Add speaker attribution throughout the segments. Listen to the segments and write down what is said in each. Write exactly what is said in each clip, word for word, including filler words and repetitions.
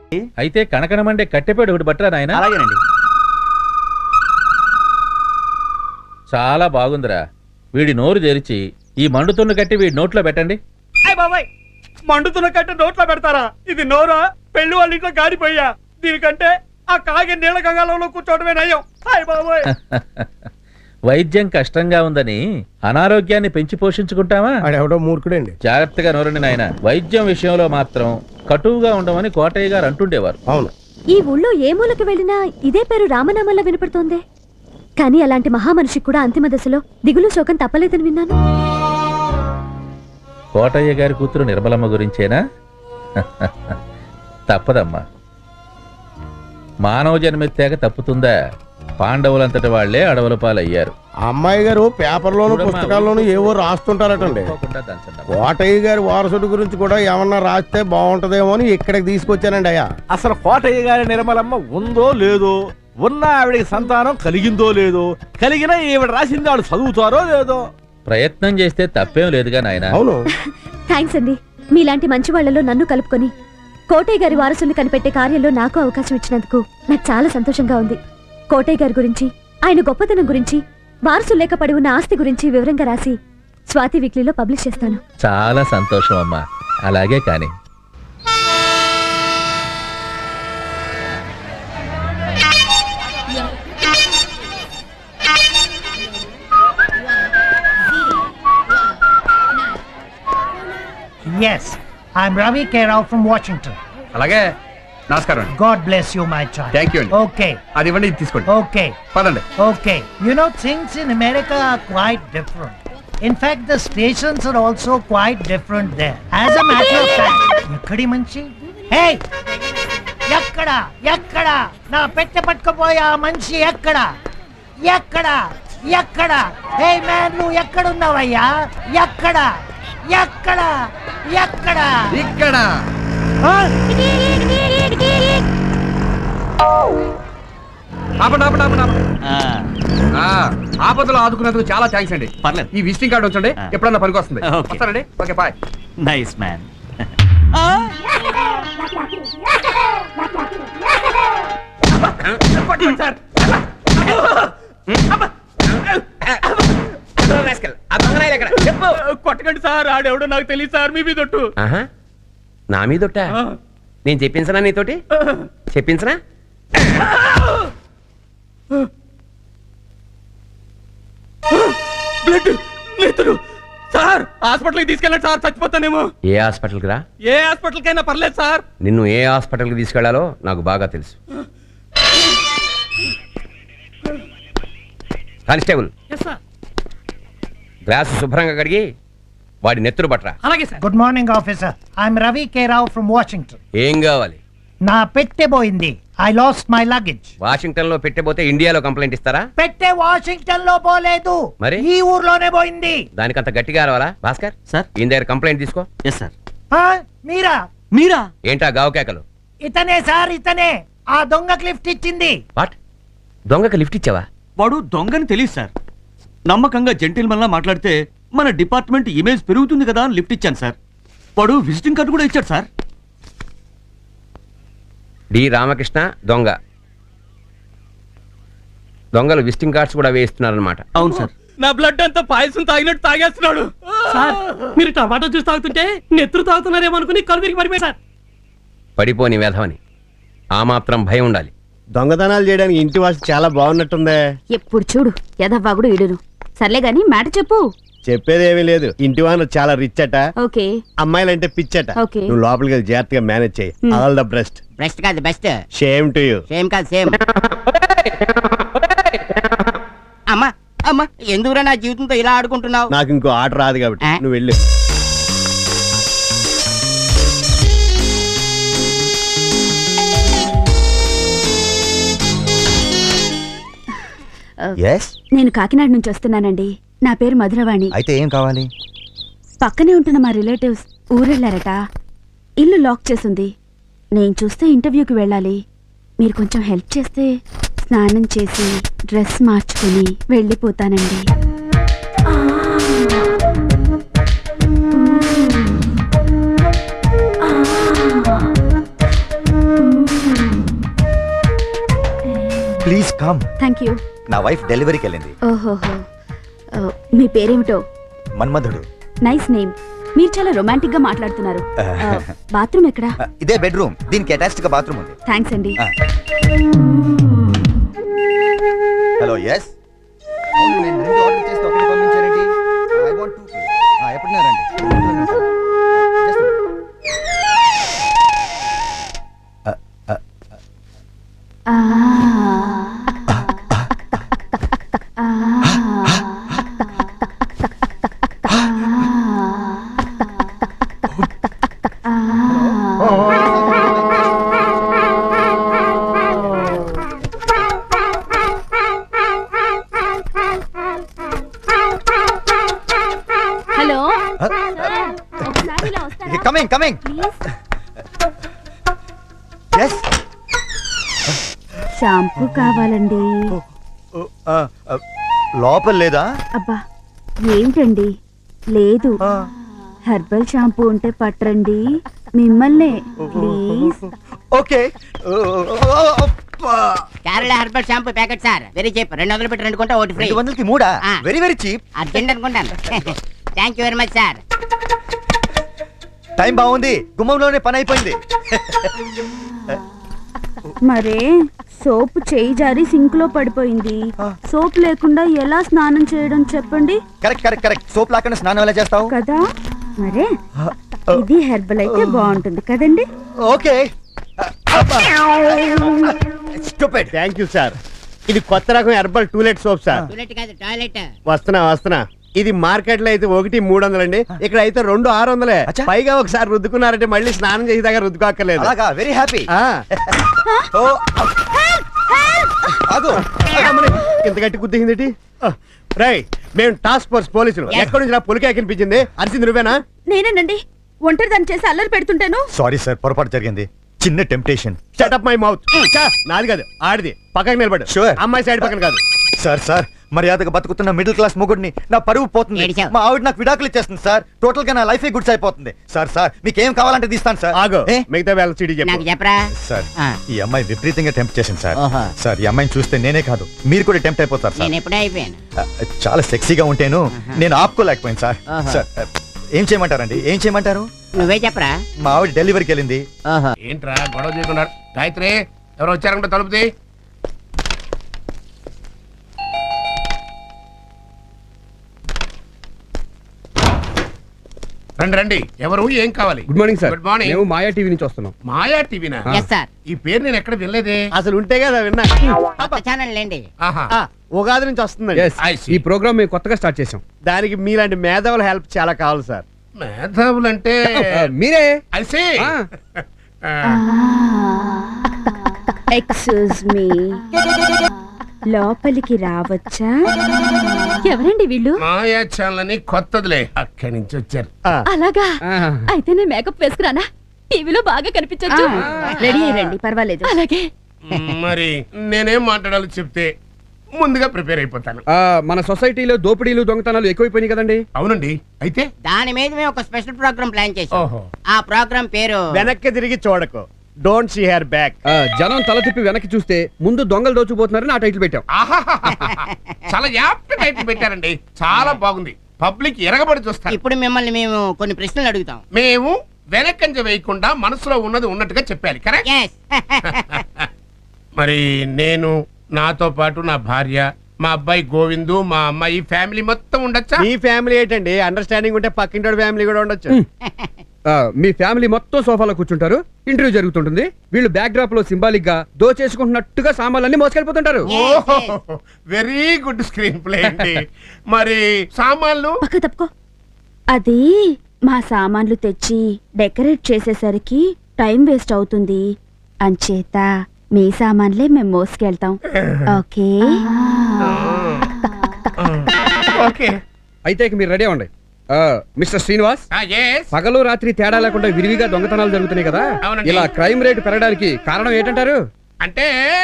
Speaker 1: అయితే కనకనమండే కట్టెపేడు ఒకటి బట్టరా నాయన.
Speaker 2: అలాగేనండి.
Speaker 1: చాలా బాగుందిరా. వీడి నోరు తెరిచి ఈ మండుతున్న కట్టి వీడి నోట్లో పెట్టండి.
Speaker 2: అయ్య బాబాయ్, మండుతున్న కట్టి నోట్లో పెడతారా? ఇది నోరా? పెళ్లి వాళ్ళ ఇంట్లో గాడిపోయా. దీనికంటే ఆ కాగే నీళ్ళ గంగాలంలో కూర్చోవడమే నయం. అయ్య బాబాయ్.
Speaker 1: వైద్యం కష్టంగా ఉందని అనారోగ్యాన్ని పెంచి పోషించుకుంటావా?
Speaker 3: ఆడెవడో మూర్ఖుడండి.
Speaker 1: జాగ్రత్తగా నోరండి నాయన. వైద్యం విషయంలో మాత్రం కటువుగా ఉండమని కోటయ్య గారు అంటుండేవారు.
Speaker 3: అవును.
Speaker 4: ఈ ఊళ్ళో ఏ మూలకు వెళ్ళినా ఇదే పేరు రామనామల్లా వినపడుతోంది. కానీ అలాంటి మహామనిషికి కూడా అంతిమ దశలో దిగులు శోకం తప్పలేదని విన్నాను.
Speaker 1: కోటయ్య గారి కూతురు నిర్మలమ్మ గురించేనా? తప్పదమ్మా. మానవ జన్మెత్తాక తప్పుతుందా? పాండవులంతటి వాళ్లే అడవుల పాలయ్యారు.
Speaker 3: అమ్మాయి గారు పేపర్లోను పుస్తకాల్లోనూ ఏవో రాస్తుంటారటండి. కోటయ్య గారి వారసుడి గురించి కూడా ఏమన్నా రాస్తే బాగుంటదేమో అని ఇక్కడికి తీసుకొచ్చానండి అయ్యా.
Speaker 5: అసలు కోటయ్య గారి నిర్మలమ్మ ఉందో లేదో, ఉన్న ఆవిడికి సంతానం కలిగిందో లేదో, కలిగినా ఈవిడ రాసింది ఆవిడ చదువుతారో లేదో.
Speaker 1: ప్రయత్నం చేస్తే తప్పేం లేదుగా నాయన.
Speaker 3: అవును.
Speaker 4: థ్యాంక్స్ అండి. మీలాంటి మంచి వాళ్లలో నన్ను కలుపుకొని కోటయ్య గారి వారసుల్ని కనిపెట్టే కార్యంలో నాకు అవకాశం ఇచ్చినందుకు నాకు చాలా సంతోషంగా ఉంది. కోటయ్య గారి గురించి, ఆయన గొప్పతనం గురించి, వారసులు లేక పడి ఉన్న ఆస్తి గురించి వివరంగా రాసి స్వాతి వీక్లీలో పబ్లిష్ చేస్తాను.
Speaker 1: చాలా సంతోషం అమ్మా. అలాగే కానీ
Speaker 6: Yes, I'm Ravi K. Rao from Washington.
Speaker 2: అలాగే. నమస్కారం.
Speaker 6: God bless you, my child.
Speaker 2: Thank you అండి.
Speaker 6: Okay,
Speaker 2: అది ఇవ్వండి, ఇది తీసుకోండి.
Speaker 6: okay,
Speaker 2: పదండి.
Speaker 6: okay. You know, things in America are quite different. In fact, the stations are also quite different there. As a matter of fact, ఎక్కడి మంచి? Hey! ఎక్కడ? ఎక్కడ? నా పెట్టె పట్టుకుపోయే ఆ మనిషి ఎక్కడ? ఎక్కడ? ఎక్కడ? హే మ్యాన్, నువ్వు ఎక్కడున్నావయ్యా? ఎక్కడ? ఎక్కడ? ఎక్కడ?
Speaker 2: ఇక్కడ. ఆపండి, ఆపండి, ఆపండి, ఆపండి. ఆ, ఆపదలో ఆదుకున్నందుకు చాలా థ్యాంక్స్ అండి.
Speaker 7: పర్లేదు.
Speaker 2: ఈ విజిటింగ్ కార్డు ఉంచండి, ఎప్పుడన్నా పనికి వస్తుంది.
Speaker 7: ఓకే.
Speaker 2: వస్తానండి. Okay, bye.
Speaker 7: Nice man.
Speaker 2: Sir, కొట్టకండి సార్. ఆడెవడో నాకు తెలియదు సార్. మీ మీదొట్టు.
Speaker 8: నా మీదొట్ట? నేను చెప్పించనా నీతోటి? చెప్పించనా?
Speaker 2: బ్లడ్, నేతులు. సార్, హాస్పిటల్కి తీసుకెళ్ళండి సార్, చచ్చిపోతానేమో.
Speaker 8: ఏ హాస్పిటల్కి రా?
Speaker 2: ఏ హాస్పిటల్కైనా పర్లేదు సార్.
Speaker 8: నిన్ను ఏ హాస్పిటల్కి తీసుకెళ్లాలో నాకు బాగా తెలుసు. కానిస్టేబుల్, గ్లాసు శుభ్రంగా కడిగి వాడి నెత్తురు పట్టరా.
Speaker 2: అలాగే sir.
Speaker 6: Good morning officer. I'm Ravi K Rao from Washington.
Speaker 8: ఏం కావాలి?
Speaker 6: నా పెట్టె పోయింది. I lost my luggage.
Speaker 8: Washington లో పెట్టబోతే ఇండియాలో కంప్లైంట్ ఇస్తారా?
Speaker 6: పెట్టె వాషింగ్టన్ లో పోలేదు,
Speaker 8: మరి
Speaker 6: ఈ ఊర్లోనే పోయింది.
Speaker 8: దానికంత గట్టిగా రావాలా? భాస్కర్
Speaker 7: సార్,
Speaker 8: ఈయన దగ్గర కంప్లైంట్ తీసుకో.
Speaker 7: Yes sir.
Speaker 6: ఆ, మీరా?
Speaker 7: మీరా?
Speaker 8: ఏంటా గావు కేకలు?
Speaker 6: ఇతనే సార్, ఇతనే. ఆ దొంగకి లిఫ్ట్ ఇచ్చింది.
Speaker 8: వాట్? దొంగకి లిఫ్ట్ ఇచ్చావా?
Speaker 7: వాడు దొంగని తెలియదు సార్. నమ్మకంగా జెంటిల్మన్ లా మాట్లాడితే మన డిపార్ట్మెంట్ ఇమేజ్ పెరుగుతుంది కదా అని లిఫ్ట్ ఇచ్చాను సార్. వాడు విజిటింగ్ కార్డు కూడా ఇచ్చాడు సార్.
Speaker 8: డి రామకృష్ణ దొంగ. దొంగలు విజిటింగ్ కార్డ్స్ కూడా వేయిస్తున్నారన్నమాట.
Speaker 7: అవును సార్.
Speaker 2: నా బ్లడ్ అంతా పాయసం తాగినట్టు తాగేస్తున్నాడు సార్. మీరు టమాటో జ్యూస్ తాగుతుంటే నెత్తురు తాగుతున్నారేమో అనుకుని కళ్ళు తిరిగి పడిపోయి సార్.
Speaker 8: పడిపోని వేధవని. ఆ మాత్రం భయం ఉండాలి.
Speaker 3: దొంగతనాలు చేయడానికి ఇంటి వాసి చాలా బాగున్నట్టుందే.
Speaker 4: ఎప్పుడు చూడు యదవ్వాగుడు ఇడును. సర్లే గాని మాట చెప్పు.
Speaker 3: చెప్పేదేమీ లేదు. ఇంటి వాన చాలా రిచ్ అట.
Speaker 4: ఓకే.
Speaker 3: అమ్మాయిలంటే పిచ్చట.
Speaker 4: ఓకే.
Speaker 3: నువ్వు లోపలికి వెళ్ళి జాగ్రత్తగా మేనేజ్ చేయి. All the best.
Speaker 9: బెస్ట్ కాదు best.
Speaker 3: Shame to you.
Speaker 9: Same కాదు సేమ్. అమ్మా అమ్మా, ఎందుకురా నా జీవితంతో ఇలా ఆడుకుంటున్నావు?
Speaker 3: నాకు ఇంకో ఆట రాదు కాబట్టి
Speaker 9: ఆ?
Speaker 3: నువ్వు వెళ్ళు.
Speaker 4: నేను కాకినాడ నుంచి వస్తున్నానండి. నా పేరు మధురవాణి.
Speaker 10: అయితే ఏం కావాలి?
Speaker 4: పక్కనే ఉంటున్న మా రిలేటివ్స్ ఊరెళ్ళారట. ఇల్లు లాక్ చేసింది. నేను చూస్తే ఇంటర్వ్యూకి వెళ్ళాలి. మీరు కొంచెం హెల్ప్ చేస్తే స్నానం చేసి డ్రెస్ మార్చుకుని వెళ్ళిపోతానండి.
Speaker 10: Come
Speaker 4: thank you.
Speaker 10: నా వైఫ్ డెలివరీకి వెళ్ళింది.
Speaker 4: ఓహోహో. ఆ, మీ పేరేమిటో?
Speaker 10: మన్మధుడు.
Speaker 4: Nice name. మీరు చాలా రొమాంటిక్ గా మాట్లాడుతున్నారు. ఆ, బాత్రూమ్ ఎక్కడా?
Speaker 10: Uh, ఇదే బెడ్రూమ్, దీనికి అటాచ్డ్ గా బాత్రూమ్ ఉంది.
Speaker 4: థ్యాంక్స్ అండి.
Speaker 10: Hello yes. అవును, నేను రెండు ఆర్డర్ చేస్తే ఒకటి పంపించారండి. I want to. ఎప్పుడున్నారండి? Just a minute. Uh, uh,
Speaker 4: ఆ. ఆ. హలో ఒకసారి ఇలా వస్తారా?
Speaker 10: Coming coming.
Speaker 4: Please.
Speaker 10: Yes.
Speaker 4: Shampoo కావాలండి.
Speaker 10: లోపల లేదా?
Speaker 4: అబ్బా ఏంటండి లేదు. హెర్బల్ షాంపూ ఉంటే పట్టరండి. మిమ్మల్నే please.
Speaker 10: Okay.
Speaker 9: Kerala herbal shampoo packet sir, very cheap. రెండు వందలు పెట్టి రెండు కొంటే ఒకటి ఫ్రీ.
Speaker 10: రెండు వందలకి మూడా?
Speaker 9: ఆ.
Speaker 10: Very very cheap.
Speaker 9: అర్జెంట్ అనుకుంటాను. Thank you very much sir.
Speaker 10: Time బాగుంది, గుమ్మంలోనే పని అయిపోయింది.
Speaker 4: మరే సోప్ చేయి జారి సింక్ లో పడిపోయింది. సోప్ లేకుండా ఎలా స్నానం చేయడం చెప్పండి.
Speaker 10: Correct correct correct. సోప్ లాకుండా స్నానం ఎలా చేస్తావు?
Speaker 4: కదా మరే ఇది హెర్బల్ అయితే బాగుంటుంది కదండి.
Speaker 10: Okay. Stupid.
Speaker 3: Thank you sir. ఇది కొత్త రకం herbal toilet soap sir.
Speaker 9: Toilet కాదు, టాయిలెట్.
Speaker 3: వస్తున్నా వస్తున్నా. ఇది మార్కెట్ లో అయితే ఒకటి మూడు వందలండి, ఇక్కడ అయితే రెండు ఆరు వందలే.
Speaker 10: అచ్చా.
Speaker 3: పైగా ఒకసారి రుద్దుకున్నారంటే మళ్ళీ స్నానం చేసేదాకా రుద్దుకోక్కర్లేదు.
Speaker 10: అలాగా, వెరీ హ్యాపీ.
Speaker 3: ఆ.
Speaker 10: ఆగు.
Speaker 3: అమ్మని, ఇంత గట్టి గుద్దింది. రై, మేము టాస్క్ ఫోర్స్ పోలీసులు. ఎక్కడి నుంచి నా పులికే కనిపించింది? అరిసింది నువ్వేనా?
Speaker 4: నేనేనండి. ఒంటరి దాన్ని చేసి అల్లరి పెడుతుంటాను.
Speaker 10: సారీ సార్, పొరపాటు జరిగింది. చిన్న temptation.
Speaker 3: Shut up my mouth. నాది కాదు, ఆడిది. పక్కకి నిలబడు.
Speaker 10: Sure.
Speaker 3: అమ్మాయి సైడ్ పక్కన కాదు.
Speaker 10: సార్ సార్, మర్యాదగా బతుకుతున్న మిడిల్ క్లాస్ మొగుడిని నా పరువు పోతుంది.
Speaker 9: ఏడిచావు.
Speaker 10: మా ఆవిడ నాకు విడాకులు ఇచ్చేస్తుంది సార్. టోటల్ గా నా లైఫ్ గుడ్స్ అయిపోతుంది. సార్ సార్, మీకు ఏం కావాలంటే తీస్తాను సార్.
Speaker 3: ఆగో,
Speaker 10: ఏ?
Speaker 3: మిగతా వేళ సిటీ
Speaker 9: నాకు
Speaker 3: చెప్పు.
Speaker 9: చెప్పరా?
Speaker 10: సార్,
Speaker 9: ఆ.
Speaker 10: ఈ అమ్మాయి విపరీతంగా టెంప్ట్ చేసింది సార్.
Speaker 9: ఓహో.
Speaker 10: సార్, ఈ అమ్మాయిని చూస్తే నేనే కాదు, మీరు కూడా టెంప్ట్ అయిపోతారు సార్.
Speaker 9: నేను ఎప్పుడే అయిపోయాను.
Speaker 10: ఆ, చాలా సెక్సీగా ఉంటేను నేను ఆపుకోలేకపోయింది సార్.
Speaker 9: ఆహా.
Speaker 10: సార్, ఆ, ఏం చేయమంటారండి? ఏం చేయమంటారు?
Speaker 9: నువ్వే చెప్పరా?
Speaker 10: మా ఆవిడ డెలివరీకి వెళ్ళింది.
Speaker 9: ఓహో.
Speaker 2: ఏంట్రా గొడవ చేయకున్నారు? గాయత్రి, ఎవరు వచ్చారంటే తలుపుది. రండి రండి. ఎవరు, ఏం కావాలి?
Speaker 11: Good morning sir.
Speaker 2: Good morning.
Speaker 11: మేము మాయా టీవీ నుంచి వస్తున్నాం.
Speaker 2: మాయా టీవీనా?
Speaker 9: Yes sir.
Speaker 2: ఈ పేరు నేను ఎక్కడ వినలేదే.
Speaker 3: అసలు ఉంటే కదా విన్నా.
Speaker 9: కొత్త ఛానల్ లేండి.
Speaker 2: ఆహా.
Speaker 3: ఆ, ఉగాది నుంచి వస్తుందండి.
Speaker 11: Yes,
Speaker 2: I see.
Speaker 11: ఈ ప్రోగ్రామ్ మేము కొత్తగా స్టార్ట్ చేసాం.
Speaker 3: దానికి మీలాంటి మేధావుల హెల్ప్ చాలా కావాలి సార్.
Speaker 2: మేధావులంటే
Speaker 11: ఆ, మీరే
Speaker 2: I see.
Speaker 11: ఆ.
Speaker 2: ఆ.
Speaker 4: ఎక్స్క్యూజ్ మీ, లోపలికి రావచ్చా? ఎవరండి వీళ్ళు?
Speaker 2: మాయా ఛానల్ అని కొత్తదిలే, అక్కడి నుంచి వచ్చారు.
Speaker 3: ఆ,
Speaker 4: అలాగా
Speaker 11: ఆ.
Speaker 4: అయితే నేను మేకప్ వేసుకురానా? టీవీలో బాగా కనిపించొచ్చు. రెడీ అయ్యండి, పర్వాలేదు. అలాగే.
Speaker 2: మరి నేనేం మాట్లాడాలో చెప్తే ముందుగా ప్రిపేర్ అయిపోతాను.
Speaker 11: ఆ, మన సొసైటీలో దోపిడీలు దొంగతనాలు ఎక్కువైపోయినాయి కదండి.
Speaker 2: అవునండి. అయితే
Speaker 9: దాని మీద మేము ఒక స్పెషల్ ప్రోగ్రామ్ ప్లాన్ చేసాం.
Speaker 2: ఓహో.
Speaker 9: ఆ ప్రోగ్రామ్ పేరు
Speaker 3: వెనక్కి తిరిగి చూడకు. Don't see her back.
Speaker 11: ఆ, జనం తల తిప్పి వెనక్కి చూస్తే ముందు దొంగలు దోచుకుపోతున్నారని ఆ టైటిల్ పెట్టాం.
Speaker 2: ఆహాహాహా. చాలా యాప్ట్ టైటిల్ పెట్టారండి. చాలా బాగుంది. పబ్లిక్ ఎరగబడి చూస్తారు.
Speaker 9: ఇప్పుడు మిమ్మల్ని మేము కొన్ని ప్రశ్నలు అడుగుతాం.
Speaker 2: మేము వెనకంజ వేయకుండా మనసులో ఉన్నది ఉన్నట్టుగా చెప్పాలి. కరెక్ట్.
Speaker 9: Yes.
Speaker 2: మరి నేను, నాతో పాటు నా భార్య, మా అబ్బాయి గోవిందు, మా అమ్మాయి, ఫ్యామిలీ మొత్తం ఉండొచ్చా?
Speaker 3: మీ ఫ్యామిలీ ఏంటండి, అండర్స్టాండింగ్ ఉంటే పక్కింటి ఫ్యామిలీ కూడా ఉండొచ్చు.
Speaker 11: ఆ, మీ ఫ్యామిలీ మొత్తం సోఫాలో కూర్చుంటారు. ఇంటర్వ్యూ జరుగుతుంటుంది. వీళ్ళు బ్యాక్ డ్రాప్ లో సింబాలిక్ గా దోచేసుకుంటున్నట్టుగా సామాన్లన్నీ మోసుకెళ్ళిపోతుంటారు.
Speaker 2: ఓహో, వెరీ గుడ్ స్క్రీన్ ప్లే అండి. మరి సామాన్లు?
Speaker 4: పక్క తప్పుకో. అది మా సామాన్లు తెచ్చి డెకరేట్ చేసేసరికి టైం వేస్ట్ అవుతుంది. అంచేత మీ సామాన్లే మేము మోసుకెళ్తాం. ఓకే?
Speaker 2: ఓకే.
Speaker 11: అయితే ఇక మీరు రెడీ అవ్వండి. ఆ, మిస్టర్ శ్రీనివాస్,
Speaker 2: Ah, yes.
Speaker 11: పగలు రాత్రి తేడా లేకుండా విరివిగా దొంగతనాలు జరుగుతున్నాయి కదా.
Speaker 2: అవునండి.
Speaker 11: ఇలా క్రైమ్ రేట్ పెరగడానికి కారణం ఏంటంటారు?
Speaker 2: అంటే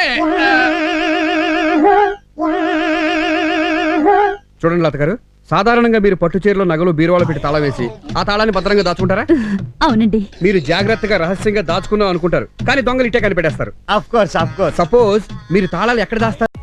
Speaker 11: చూడండి లత గారు, సాధారణంగా మీరు పట్టు చీరలో నగలు బీరువాలో పెట్టి తాళం వేసి ఆ తాళాన్ని భద్రంగా దాచుకుంటారా?
Speaker 4: అవునండి.
Speaker 11: మీరు జాగ్రత్తగా రహస్యంగా దాచుకుందాం అనుకుంటారు, కానీ దొంగలు ఇట్టే కనిపెట్టేస్తారు.
Speaker 3: Of course of course.
Speaker 11: Suppose మీరు తాళాలు ఎక్కడ దాస్తారు?